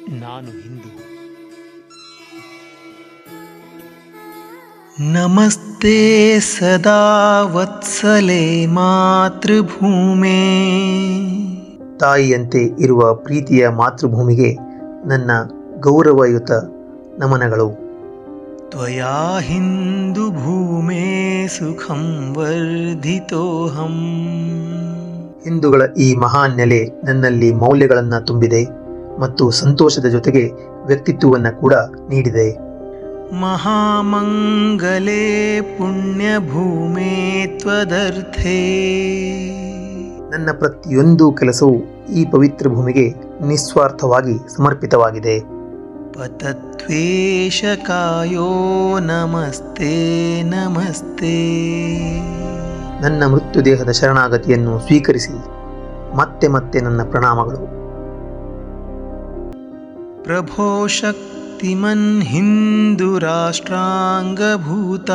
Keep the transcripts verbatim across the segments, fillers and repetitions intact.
ನಾನು ಹಿಂದೂ. ನಮಸ್ತೆ ಸದಾ ವತ್ಸಲೆ ಮಾತೃಭೂಮೇ. ತಾಯಿಯಂತೆ ಇರುವ ಪ್ರೀತಿಯ ಮಾತೃಭೂಮಿಗೆ ನನ್ನ ಗೌರವಯುತ ನಮನಗಳು. ತ್ವಯಾ ಹಿಂದೂ ಭೂಮೇ ಸುಖಂ ವರ್ಧಿತೋಹಂ. ಹಿಂದೂಗಳ ಈ ಮಹಾನ್ ನೆಲೆ ನನ್ನಲ್ಲಿ ಮೌಲ್ಯಗಳನ್ನು ತುಂಬಿದೆ ಮತ್ತು ಸಂತೋಷದ ಜೊತೆಗೆ ವ್ಯಕ್ತಿತ್ವವನ್ನು ಕೂಡ ನೀಡಿದೆ. ಮಹಾಮಂಗಲೇ ಪುಣ್ಯಭೂಮೇ ತ್ವದರ್ಥೇ. ನನ್ನ ಪ್ರತಿಯೊಂದು ಕೆಲಸವು ಈ ಪವಿತ್ರ ಭೂಮಿಗೆ ನಿಸ್ವಾರ್ಥವಾಗಿ ಸಮರ್ಪಿತವಾಗಿದೆ. ಪತತ್ವೇಷ ಕಾಯೋ ನಮಸ್ತೆ ನಮಸ್ತೆ. ನನ್ನ ಮೃತ್ಯುದೇಹದ ಶರಣಾಗತಿಯನ್ನು ಸ್ವೀಕರಿಸಿ ಮತ್ತೆ ಮತ್ತೆ ನನ್ನ ಪ್ರಣಾಮಗಳು. ಪ್ರಭೋ ಶಕ್ತಿಮನ್ ಹಿಂದೂ ರಾಷ್ಟ್ರಾಂಗಭೂತ.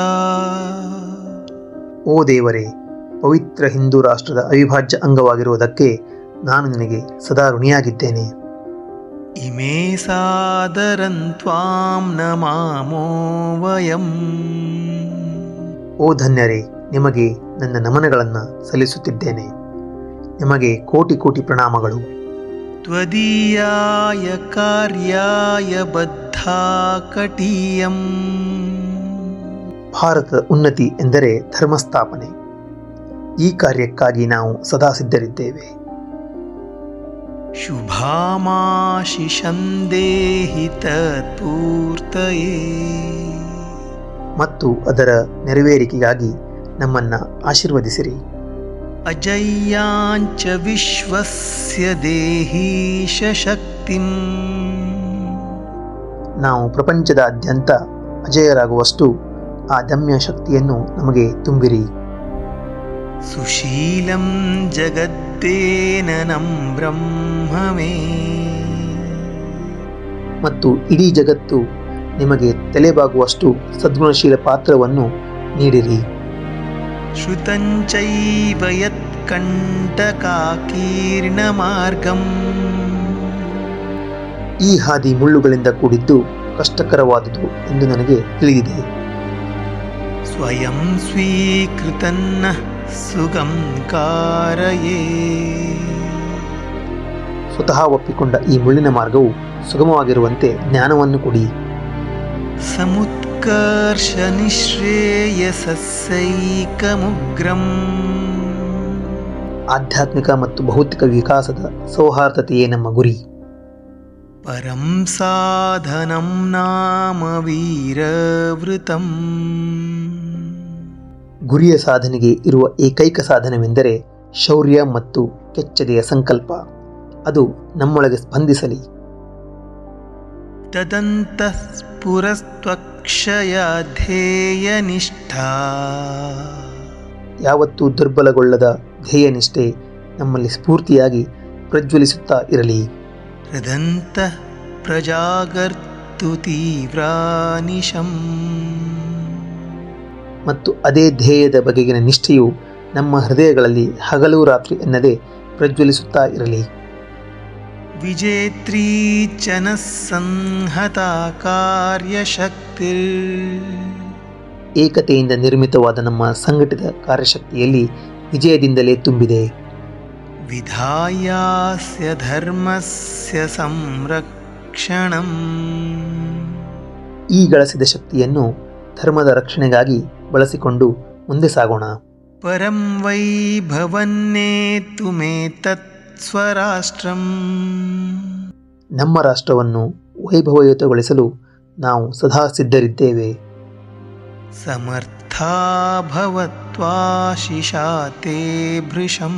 ಓ ದೇವರೇ, ಪವಿತ್ರ ಹಿಂದೂ ರಾಷ್ಟ್ರದ ಅವಿಭಾಜ್ಯ ಅಂಗವಾಗಿರುವುದಕ್ಕೆ ನಾನು ನಿನಗೆ ಸದಾ ಋಣಿಯಾಗಿದ್ದೇನೆ. ಇಮೇ ಸಾದರಂ ತ್ವಾಂ ನಮಾಮೋ ವಯಂ. ಓ ಧನ್ಯರೇ, ನಿಮಗೆ ನನ್ನ ನಮನಗಳನ್ನು ಸಲ್ಲಿಸುತ್ತಿದ್ದೇನೆ. ನಿಮಗೆ ಕೋಟಿ ಕೋಟಿ ಪ್ರಣಾಮಗಳು. ತ್ವದೀಯಾಯ ಕಾರ್ಯಾಯ ಬದ್ಧಾಕಟೀಯಂ. ಭಾರತದ ಉನ್ನತಿ ಎಂದರೆ ಧರ್ಮಸ್ಥಾಪನೆ. ಈ ಕಾರ್ಯಕ್ಕಾಗಿ ನಾವು ಸದಾ ಸಿದ್ಧರಿದ್ದೇವೆ. ಶುಭಾಮಾಶಿಷಂ ದೇಹಿ ತತ್ಪೂರ್ತಯೇ. ಮತ್ತು ಅದರ ನೆರವೇರಿಕೆಗಾಗಿ ನಮ್ಮನ್ನು ಆಶೀರ್ವದಿಸಿರಿ. ಅಜಯ್ಯಾಂಚ ವಿಶ್ವಸ್ಯ ದೇಹೀಶ ಶಕ್ತಿಂ. ನಾವು ಪ್ರಪಂಚದಾದ್ಯಂತ ಅಜಯರಾಗುವಷ್ಟು ಆ ದಮ್ಯ ಶಕ್ತಿಯನ್ನು ನಮಗೆ ತುಂಬಿರಿ. ಸುಶೀಲಂ ಜಗದ್ದೇನನಂ ಬ್ರಹ್ಮವೇ. ಮತ್ತು ಇಡೀ ಜಗತ್ತು ನಿಮಗೆ ತಲೆಬಾಗುವಷ್ಟು ಸದ್ಗುಣಶೀಲ ಪಾತ್ರವನ್ನು ನೀಡಿರಿ. ಶ್ರುತಂಚೈವ ಯತ್ಕಂಟಕಾಕೀರ್ಣ ಮಾರ್ಗಂ. ಈ ಹಾದಿ ಮುಳ್ಳುಗಳಿಂದ ಕೂಡಿದ್ದು ಕಷ್ಟಕರವಾದುದು ಎಂದು ನನಗೆ ತಿಳಿದಿದೆ. ಸ್ವಯಂ ಸ್ವೀಕೃತನ್ನ ಸುಗಂ ಕಾರಯೇ. ಸ್ವತಃ ಒಪ್ಪಿಕೊಂಡ ಈ ಮುಳ್ಳಿನ ಮಾರ್ಗವು ಸುಗಮವಾಗಿರುವಂತೆ ಜ್ಞಾನವನ್ನು ಕೊಡಿ. ಸಮುತ್ಕರ್ಷ ನಿಶ್ರೇಯಸೈಕಮುಗ್ರಂ. ಆಧ್ಯಾತ್ಮಿಕ ಮತ್ತು ಭೌತಿಕ ವಿಕಾಸದ ಸೌಹಾರ್ದತೆಯೇ ನಮ್ಮ ಗುರಿ. ಪರಂ ಸಾಧನಂ ನಾಮ ವೀರವೃತಂ. ಗುರಿಯ ಸಾಧನೆಗೆ ಇರುವ ಏಕೈಕ ಸಾಧನವೆಂದರೆ ಶೌರ್ಯ ಮತ್ತು ಕೆಚ್ಚೆದೆಯ ಸಂಕಲ್ಪ. ಅದು ನಮ್ಮೊಳಗೆ ಸ್ಪಂದಿಸಲಿ. ತದಂತಃ ಸ್ಫುರಸ್ತ್ವಕ್ಷಯ ಧ್ಯೇಯ ನಿಷ್ಠಾ. ಯಾವತ್ತೂ ದುರ್ಬಲಗೊಳ್ಳದ ಧ್ಯೇಯನಿಷ್ಠೆ ನಮ್ಮಲ್ಲಿ ಸ್ಫೂರ್ತಿಯಾಗಿ ಪ್ರಜ್ವಲಿಸುತ್ತಾ ಇರಲಿ. ಹೃದಂತಃ ಪ್ರಜಾಗರ್ತು ತೀವ್ರಾನಿಶಂ. ಮತ್ತು ಅದೇ ಧ್ಯೇಯದ ಬಗೆಗಿನ ನಿಷ್ಠೆಯು ನಮ್ಮ ಹೃದಯಗಳಲ್ಲಿ ಹಗಲು ರಾತ್ರಿ ಎನ್ನದೆ ಪ್ರಜ್ವಲಿಸುತ್ತಾ ಇರಲಿ. ವಿಜೇತ್ರೀ ಚನ ಸಂಹತಾ ಕಾರ್ಯಶಕ್ತಿ. ಏಕತೆಯಿಂದ ನಿರ್ಮಿತವಾದ ನಮ್ಮ ಸಂಘಟಿತ ಕಾರ್ಯಶಕ್ತಿಯಲ್ಲಿ ವಿಜಯದಿಂದಲೇ ತುಂಬಿದೆ. ವಿಧಾಯಾಸ್ಯ ಧರ್ಮಸ್ಯ ಸಂರಕ್ಷಣಂ. ಈ ಗಳಿಸಿದ ಶಕ್ತಿಯನ್ನು ಧರ್ಮದ ರಕ್ಷಣೆಗಾಗಿ ಬಳಸಿಕೊಂಡು ಮುಂದೆ ಸಾಗೋಣ. ಪರಂ ವೈಭವನ್ನೇತು ಮೇ ತತ್ ಸ್ವರಾಷ್ಟ್ರಂ. ನಮ್ಮ ರಾಷ್ಟ್ರವನ್ನು ವೈಭವಯುತಗೊಳಿಸಲು ನಾವು ಸದಾ ಸಿದ್ಧರಿದ್ದೇವೆ. ಸಮರ್ಥಾ ಭವತ್ವಾಶಿಷಾ ತೇ ಭೃಶಂ.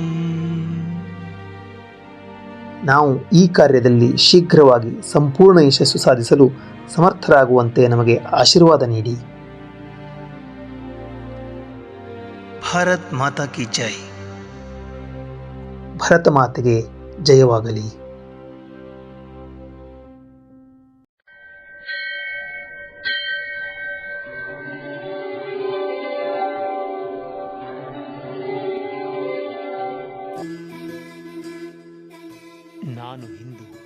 ನಾವು ಈ ಕಾರ್ಯದಲ್ಲಿ ಶೀಘ್ರವಾಗಿ ಸಂಪೂರ್ಣ ಯಶಸ್ಸು ಸಾಧಿಸಲು ಸಮರ್ಥರಾಗುವಂತೆ ನಮಗೆ ಆಶೀರ್ವಾದ ನೀಡಿ. ಭಾರತ್ ಮಾತಾ ಕಿ ಜೈ. ಭರತ ಮಾತೆಗೆ ಜಯವಾಗಲಿ. ನಾನು ಹಿಂದೂ.